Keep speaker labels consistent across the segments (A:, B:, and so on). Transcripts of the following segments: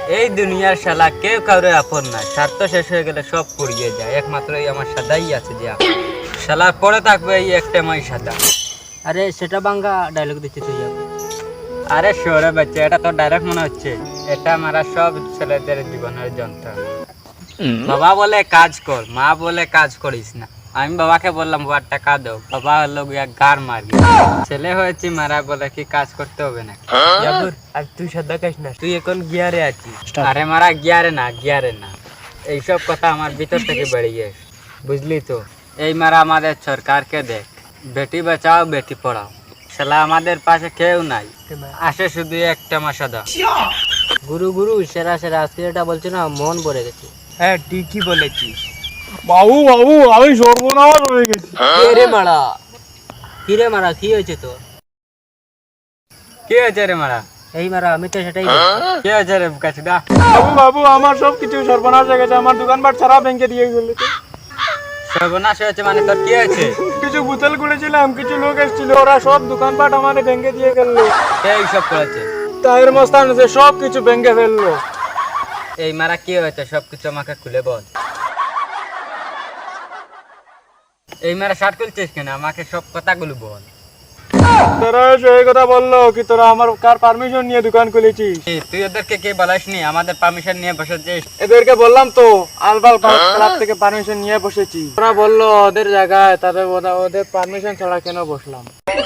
A: এই দুনিয়ার শালা কেউ কারো আপন না, স্বার্থ শেষ হয়ে গেলে সব পুড়িয়ে যায়, একমাত্র এই আমার সাদাই আছে যে আপন। শালা পড়ে থাকবে এই একটা মাই সাদা।
B: আরে সেটা বাঙ্গা ডায়লগ দিচ্ছি তুই।
A: আরে শোরে বাচ্চা, এটা তো ডাইরেক্ট মনে হচ্ছে এটা মারা সব ছেলেদের জীবনের যন্ত্রণা। বাবা বলে কাজ কর, মা বলে কাজ করিস না। আমি বাবাকে বললাম বাবার টাকা দাও, বাবা হলো গিয়া গার মারবি। ছেলে হয়েছি মারা বলে কি কাজ করতে হবে না।
B: আর তুই সাদা খাস না, তুই এখন গিয়ারে আছিস।
A: আরে মারা গিয়ারে না, এইসব কথা আমার ভিতর থেকে বেরিয়ে বুঝলি তো। এই মারা আমাদের সরকারকে দেখ, বেটি বাঁচাও বেটি পড়াও, শালা আমাদের পাশে কেউ নাই, আসে শুধু একটা মাসাদা।
B: গুরু গুরু সেরা সেরা, আজকে এটা বলছি না মন ভরে গেছে।
A: হ্যাঁ ঠিকই বলেছিস।
C: বাবু বাবু আমি সর্বনাশ হয়ে গেছি।
B: রে মারা, কি রে মারা, কি হয়েছে তোর?
A: কি হয়েছে রে মারা?
B: এই মারা আমি তো সেটাই
A: কি হয়েছে রে কাছুদা?
C: বাবু বাবু আমার সব কিছু সর্বনাশ হয়ে গেছে, আমার দোকানপাট সারা ব্যাংকে দিয়ে গেল।
A: সর্বনাশ হয়েছে মানে তোর কি হয়েছে?
C: কিছু বোতল খুলেছিলাম, কিছু লোক এসেছিল, ওরা সব দোকানপাট আমার ব্যাংকে দিয়ে গেল।
A: কে এইসব করেছে?
C: তাহের মস্তান আছে, সব কিছু ব্যাংকে ফেললো।
A: এই মারা কি হয়েছে সবকিছু আমাকে খুলে বল। এই মারা শার্ট খুলছিস কেন? আমাকে সব কথাগুলো বল।
C: তোরা সেই কথা বললো কি তোরা আমার কার পারমিশন নিয়ে দোকান খুলেছিস?
A: তুই ওদেরকে কে বলাসনি আমাদের পারমিশন নিয়ে বসেছিস?
C: এদেরকে বললাম তো, আলবাল ক্লাব থেকে পারমিশন নিয়ে বসেছি। ওরা বললো ওদের জায়গায়, তাদের ওদের পারমিশন ছাড়া কেন বসলাম?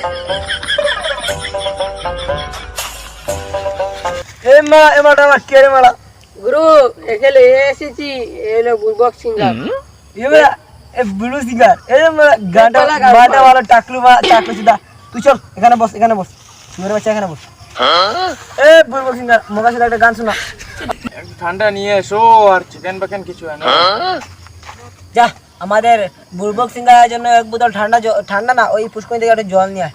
B: গুরু এখানে এসেছি, এলো বুলবক সিঙ্গার।
D: ব্লু সিঙ্গার গানটা মাটা ভালো, টাকলু সিধা। তুই চল এখানে বস, সুন্দর বাচ্চা এখানে বস। বুলবক সিঙ্গার মোকা সাথে একটা গান শোনা।
C: ঠান্ডা নিয়ে এসো আর চিকেন বাকেন কিছু আনো।
D: যা আমাদের বুলবক সিঙ্গারের জন্য এক বোতল ঠান্ডা না, ওই পুষ্করণী থেকে একটা জল নিয়ে আয়।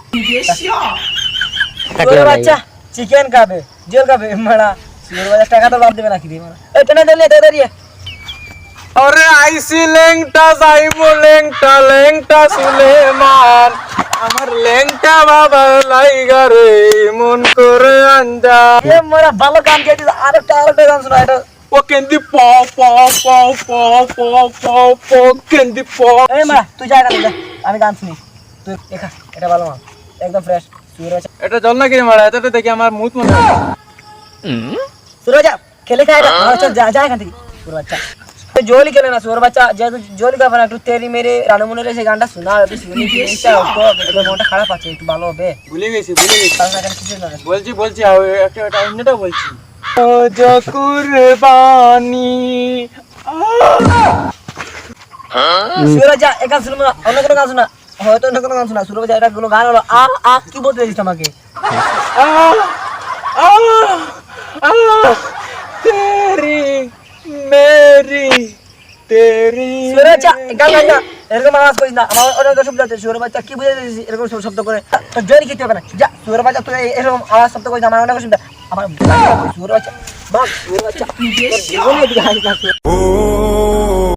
D: সুন্দর বাচ্চা চিকেন খাবে, জল খাবে মারা। সুন্দর বাচ্চা টাকা তো বাদ দেবে নাকি রে মারা? এই টেনে দিলে দাঁড়িয়ে।
C: আরে আইসি লেংটা যাইবো লেংটা সুলেমান, আমার লেংটা বাবা লাইগা রে মন করে আঞ্জা।
D: এ মারা ভালো গান গেয়ে দিস, আরেকটা গান শোনা। এটা
C: ও কেন্দি প প প প প প প কেন্দি প।
D: এই মারা তুই যা গান, আমি গান শুনি। তুই দেখা, এটা ভালো মাল, একদম ফ্রেশ।
C: এটা জল না কিরে মারা, এটা দেখি আমার মুখ মনে হয়।
D: সুর বাচ্চা খেলে খায় এটা, চল যা এখান থেকে। সুর বাচ্চা জোলি খেলে না, সুর বাচ্চা যেহেতু জোলি খাবে না, একটু তেরি মেরে রানু মনে সেই গানটা শোনা, একটু শুনি মনটা খারাপ আছে, একটু ভালো হবে।
C: ভুলে গেছি
D: কারণ এখানে কিছু না।
C: বলছি একটা অন্যটা বলছি। ও কুরবানি
D: সুর বাচ্চা এক গান শুনবো না, অন্য কোনো গান শোনা, হয়তো অন্য কোনো গান শোনা। সুর বাচ্চা এটা কোনো গান হলো কি বলতে চাইছিস আমাকে?
C: তেরি মেরি তেরি।
D: সুর বাচ্চা গান গাই না, এরকম আওয়াজ করিস না। আমার অনেক শব্দ আছে। সুর বাচ্চা কি বুঝে দিয়েছিস এরকম শব্দ করে? তোর জোরি খেতে হবে না। যা সুর বাচ্চা, তুই এরকম আওয়াজ শব্দ করিস, আমার অনেক শব্দ। আমার সুর বাচ্চা বাহ, সুর বাচ্চা জীবনে এদিকে হাসিস না।